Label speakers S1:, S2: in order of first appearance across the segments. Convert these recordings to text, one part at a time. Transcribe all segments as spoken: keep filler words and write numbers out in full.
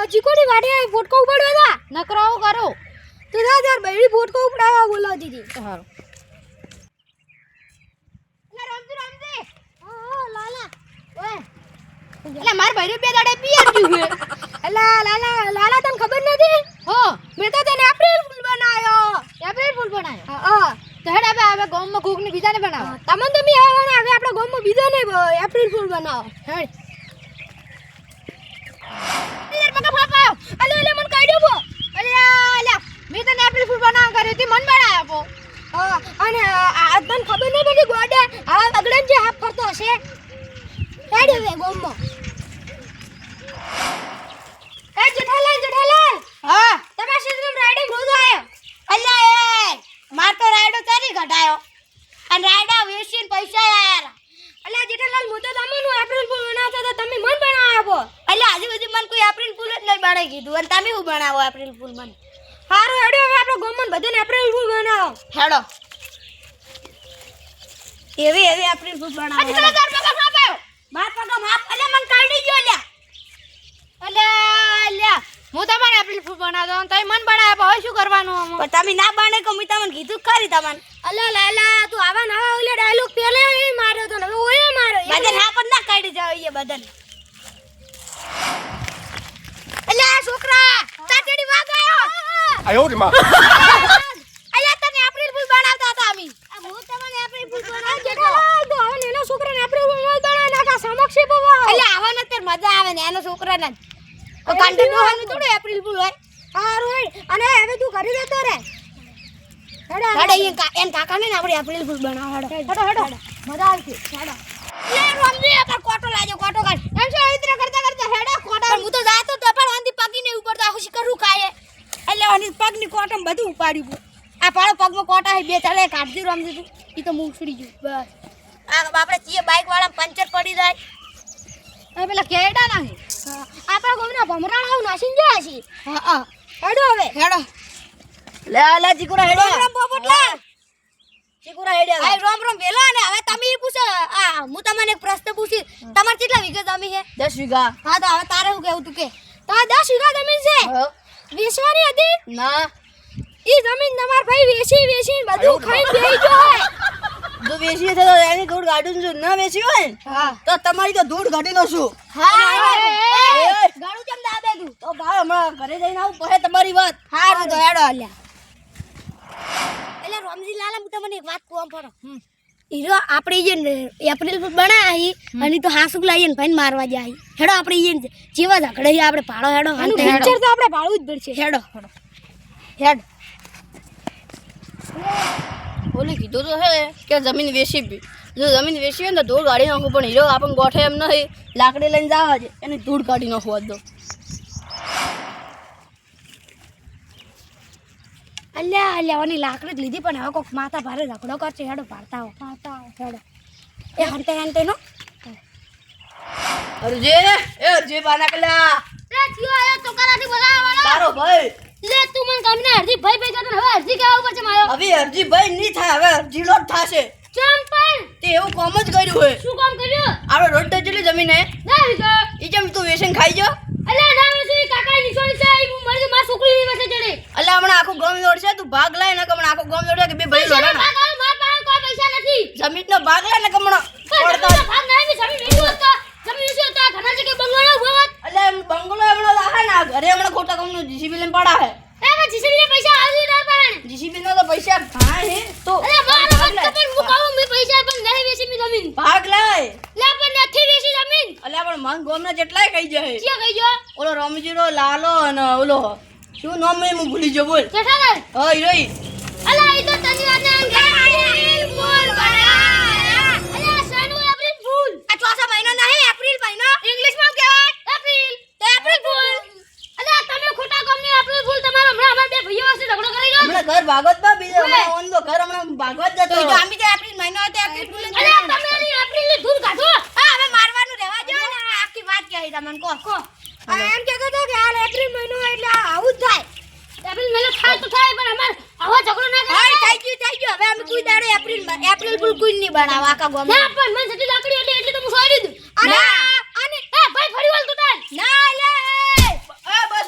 S1: ચીકોની વાડે ફોટકો ઉપાડવા તા
S2: નકરાઓ કરો
S1: તો જા યાર બૈડી ફોટકો ઉપાડવા બોલાવતી હતી
S2: સારું
S1: એટલે રમજી રમજી હા હા લાલા ઓય
S2: એટલે માર ભાઈ બે દાડે પિયર ગયું છે
S1: એટલે લાલા લાલા તને ખબર નથી
S2: હો
S1: મેં તો તને એપ્રિલ ફૂલ બનાવ્યો
S2: એપ્રિલ ફૂલ બનાવ્યો
S1: હા હા
S2: તો હેડ હવે હવે ગામમાં કોક ની બીજાને બનાવો
S1: તમને તો બી આવવાના હવે આપણા ગામમાં બીજો ને એપ્રિલ ફૂલ બનાવો
S2: હેડ
S1: યાર મકા ફાફાયો અલે અલે મન કાઢ્યો બો
S2: અલે અલે મેં તને એપ્રિલ ફૂલ બનાવ કર્યો તે મન બનાવ્યો આપો
S1: હા અને આ તને ખબર નહીં પડી ગોડે આ બગડન જે હાફ ફરતો હશે કાઢ્યો વે ગામમાં એ જેઠાલાલ જેઠાલાલ
S2: હા
S1: તમારા ક્ષેત્રમાં રાઈડિંગ રોજ આયો
S2: અલ્યા એ માર તો રાયડો તારી ઘટાયો અને રાયડા વેચીને પૈસા આયા
S1: અલ્યા જેઠાલાલ હું તો તમને એપ્રિલ ફૂલ બનાવતો તો તમે મન બનાવો
S2: અલ્યા આજુ બાજુ મને કોઈ એપ્રિલ ફૂલ જ નહીં બનાવી કીધું અને તમે શું બનાવો એપ્રિલ ફૂલ મને
S1: હારું હેડો હવે આપણો ગામમાં બધાને એપ્રિલ ફૂલ બનાવો
S2: હેડો એવી એવી એપ્રિલ ફૂલ બનાવો
S1: આજે તને ચાર પગા ફાપાયો
S2: માર પગા માપ અલ્યા મને કાઢી ગયો અલ્યા અલ્યા અલ્યા હું તમારે એપ્રિલ ફૂલ બનાવતો અને તમે મન બનાવ્યા હવે શું કરવાનું પણ તમે ના બને કે મેં તમને કીધું ખરી તમને
S1: અલ્યા લાલા તું આવા નવા ઓલે ડાયલોગ પહેલે એ માર્યો તો હવે ઓય માર્યો
S2: બદન હા પણ ના કાઢી જાવ એ બદન
S1: અલ્યા છોકરા તાતડી વાગ આયો
S3: આયો રે માં
S2: અલ્યા તને એપ્રિલ ફૂલ બનાવતા હતા અમે
S1: આ હું તમને એપ્રિલ ફૂલ બનાવ જેટલો તો હવે એનો છોકરાને એપ્રિલ ફૂલ ન બનાવ નાખા સમક્ષ પવા
S2: અલ્યા આવવાનો તો મજા આવે ને એનો છોકરાને તો કાંડે દોહાનું થોડું એપ્રિલ ફૂલ હોય
S1: હારું હેડ અને હવે તું કરી દેતો રે હેડો
S2: હેડો એ કા એન કાકાને ને આપણે એપ્રિલ ફૂલ બનાવ હેડો
S1: હેડો હેડો મજા આવશે હેડો
S2: લે રમજી પર કોટો લાજો કોટો કાઢ એમ છે ઇતરા કરતા કરતા હેડો કોટો હું તો જાતો તો પણ આંધી પગીને ઉપર તો આખું કરું ખાય એટલે આની પગની કોટમ બધું ઉપાડ્યું આ પાળો પગમાં કોટા હે બે ચાલે કાઢજી રમજી તું ઈ તો મું ઉછડી ગયું બસ આ આપણે ચીએ બાઈક વાળા પંચર પડી જાય આ પેલા કેડા ના હે
S1: આપણા ગામના ભમરાણા નાસીન જાય છે
S2: હા હા
S1: હેડો હવે
S2: હેડો લે લે ચીકુરા હેડો
S1: રામ પોપટલા
S2: ચીકુરા હેડો આ રોમ રોમ વેલા ને હવે તમે ઈ પૂછો આ હું તમને એક પ્રશ્ન પૂછી તમાર કેટલા વીઘા જમીન છે દસ વીઘા હા તો હવે તારે શું કહેવું તું કે
S1: તા દસ વીઘા જમીન છે વેચવાની હતી
S2: ના
S1: ઈ જમીન તમાર ભાઈ વેચી વેચી બધું ખાઈ બેહી ગયો હોય
S2: જો વેચી તો એની ધૂળ ગાડું જો ના વેચી હોય
S1: હા
S2: તો તમારી તો ધૂળ ગાડી નો શું
S1: હા
S2: ગાડું કેમ દાબે તું તો ભાઈ હમણાં ઘરે જઈને આવું પછી તમારી વાત હારું તો હેડો અલ્યા એટલે રોમજી લાલા હું તમને એક વાત કહું પડો હીરો આપણે જે એપ્રિલ ફૂલ બનાવી અને તો હાસુક લાવીને ભાઈને મારવા જાય હેડો આપણે ઈ જેવા ઝઘડે આપણે પાડો હેડો
S1: આનું પિક્ચર તો આપણે પાડવું જ પડશે
S2: હેડો હેડો હેડ બોલે કીધું તો હે કે જમીન વેચી બી જો જમીન વેચી હોય ને તો ધૂળ કાઢી નાખું પણ હીરો આપણને ગોઠે એમ નહીં લાકડી લઈને જવા છે એની ધૂળ કાઢી નાખવા દો
S1: અલ્યા અલ્યા ઓની લાકડી જ લીધી પણ હવે કોક માથા ભારે ઝઘડો કરશે હેડો પાડતા હો પાડતા હો હેડો એ હંતે હંતે નો
S2: અરજે એ અરજે બાના કલા
S1: એ થયો આયો તો કરાથી બોલાવા વાળો
S2: તારો ભાઈ
S1: લે તું મને કામને અરજી ભાઈ ભાઈ કહેતો હવે અરજી કેવા ઉપર છે માયો
S2: હવે અરજી ભાઈ નહીં થાય હવે અરજી લોટ થાશે
S1: ચમ પણ
S2: તે એવું કામ જ કર્યું હોય
S1: શું કામ કર્યું
S2: આપણે રોડ તો જેટલી જમીન હે
S1: ના વિગા
S2: ઈ જેમ તું વેસન ખાઈ જો
S1: અલ્યા ના વેસી કાકા નિશોની છે ઈ મરી માર છોકરી ની વસે ચડે
S2: અલ્યા હમણાં આખું ગામ દોડશે તું ભાગ લાય ને હમણાં આખું ગામ દોડે કે બે ભાઈ
S1: પૈસા
S2: લોડા
S1: ભાગ આવે માર પાસે કોઈ પૈસા નથી
S2: જમીનનો ભાગ લાય ને હમણાં
S1: પણ ભાગ નહીં જમીન વેચી હોત તો જમીન વેચી હોત તો ઘણા જગ્યાએ બંગલો હોત
S2: અલ્યા એમ બંગલો હમણાં લાહે ને ઘરે હમણાં ખોટા કામનું જીસીબી લઈને પડા હે
S1: એ મે જીસીબી ને પૈસા આલી ના પણ
S2: જીસીબી નો તો પૈસા ઘણા હે તો
S1: અલ્યા માર મત કપર હું કહું મે પૈસા પણ નહીં વેચી મી જમીન
S2: ભાગ લાય
S1: લે પણ નથી વેચી જમીન
S2: અલ્યા પણ મન ગામના જેટલાય કહી જાય
S1: ક્યાં ગઈ જો
S2: ઓલો રમજીરો લાલો અને ઓલો શું નામ મેં હું ભૂલી ગયો બોલ
S1: જેઠાલાલ
S2: હા હીરોઈ
S1: અલા ઈ તો તની વાત નામ એપ્રિલ ફૂલ બનાયા અલા સાનુ એપ્રિલ ફૂલ
S2: આ ચોથા મહિનો નહીં એપ્રિલ મહિનો ઇંગ્લિશ માં કહેવાય
S1: એપ્રિલ
S2: તો એપ્રિલ ફૂલ
S1: અલા તમે ખોટા કામની એપ્રિલ ફૂલ તમારો હમણાં અમાર બે ભાઈઓ હશે ઝઘડો કરી ગયો
S2: હમણાં ઘર ભાગવત માં બીજો હમણાં ઓન તો ઘર હમણાં ભાગવત જતો તો આમી તો એપ્રિલ મહિનો હતો એપ્રિલ ફૂલ
S1: અલા તમે એની એપ્રિલ ની ધૂળ કાઢો
S2: હા હવે મારવાનું રહેવા જો ને આખી વાત કહી તમને કો કો
S1: એમ કહેતો તો કે હાલ એપ્રિલ મહિનો એટલે આવું જ થાય એપ્રિલ મહિનો થાય તો થાય પણ અમાર આવો ઝઘડો ના
S2: હા
S1: કરે
S2: થઈ ગયું થઈ ગયું હવે અમે કોઈ દાડો એપ્રિલ એપ્રિલ ફૂલ કોઈ નહીં બનાવ આખા ગામ
S1: ના પણ મને જેટલી લાકડી એટલે એટલે તો હું છોડી દઉં અને
S2: ના.
S1: અને એ ભાઈ ફરી વળ તું તાર
S2: ના લે એ બસ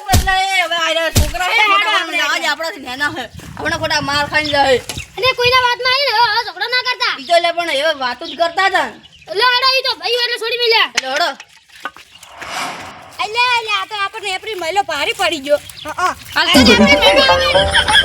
S3: આપણાથી નાના હે હમણાં ખોટા માર ખાઈને જાય
S2: અને કોઈના વાતમાં આવીને હવે હવે ઝઘડો ના કરતા
S3: ઈ તો એટલે પણ એવા વાતો જ કરતા હતા ને.
S2: એટલે હડો ઈ તો ભાઈ એટલે છોડી મેલ્યા
S3: એટલે હડો
S1: એટલે એટલે આ તો આપણને એપ્રિલ મહિનો ભારે પડી ગયો હા
S2: હાલ તો આપણે મેળવા